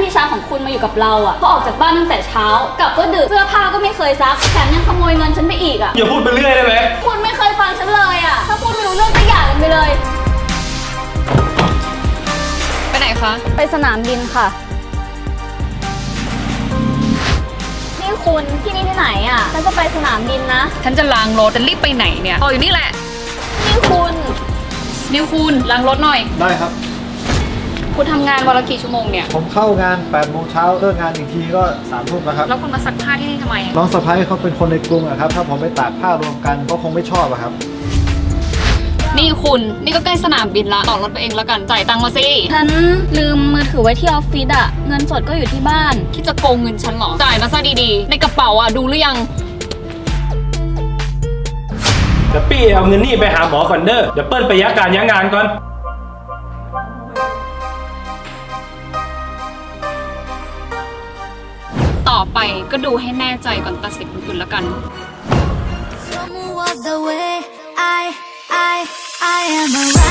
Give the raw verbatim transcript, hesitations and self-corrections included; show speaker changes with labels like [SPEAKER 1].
[SPEAKER 1] พี่ชายของคุณมาอยู่กับเราอ่ะเขาออกจากบ้านตั้งแต่เช้ากลับก็ดึกเสื้อผ้าก็ไม่เคยซักแถมยังขโมยเงินฉันไปอีกอ่ะ
[SPEAKER 2] อย่าพูดไปเรื่อยได้ไหม
[SPEAKER 1] คุณไม่เคยฟังฉันเลยอ่ะถ้าพูดไม่รู้เรื่องก็หย่ากันไปเลย
[SPEAKER 3] ไปไหนคะ
[SPEAKER 1] ไปสนามบินค่ะนี่คุณที่นี่ที่ไหนอ่ะฉันจะไปสนามบินนะ
[SPEAKER 3] ฉันจะล้างรถจะรีบไปไหนเนี่ยรออยู่นี่แหละ
[SPEAKER 1] นี่คุณ
[SPEAKER 3] นิวคุณล้างรถหน่อย
[SPEAKER 4] ได้ครับ
[SPEAKER 3] คุณทำงานวันละกี่ชั่วโมงเนี่ย
[SPEAKER 4] ผมเข้างานแปดโมงเช้าเลิกงานอีกทีก็สามทุ่มแล้วครับ
[SPEAKER 3] แล้วคุณมาซักผ้าที่นี่ทำไม
[SPEAKER 4] น้องสะพ้ายเขาเป็นคนในกรุงอะครับถ้าผมไปตากผ้ารวมกันก็คงไม่ชอบอะครับ
[SPEAKER 3] นี่คุณนี่ก็ใกล้สนามบินละต่อรถไปเองแล้วกันจ่ายตังค์มาสิ
[SPEAKER 1] ฉันลืมมือถือไว้ที่ออฟฟิศอะเงินสดก็อยู่ที่บ้าน
[SPEAKER 3] คิดจะโกงเงินฉันเหรอจ่ายมาซะดีๆในกระเป๋าอะดูหรือยัง
[SPEAKER 2] เดี๋ยวปี้เอาเงินนี่ไปหาหมอก่อนเด้อเดี๋ยวเปิ้ลไปยักการยักงานก่อน
[SPEAKER 3] ต่อไปก็ดูให้แน่ใจก่อนตัดสินคุณแล้วกัน
[SPEAKER 5] I am a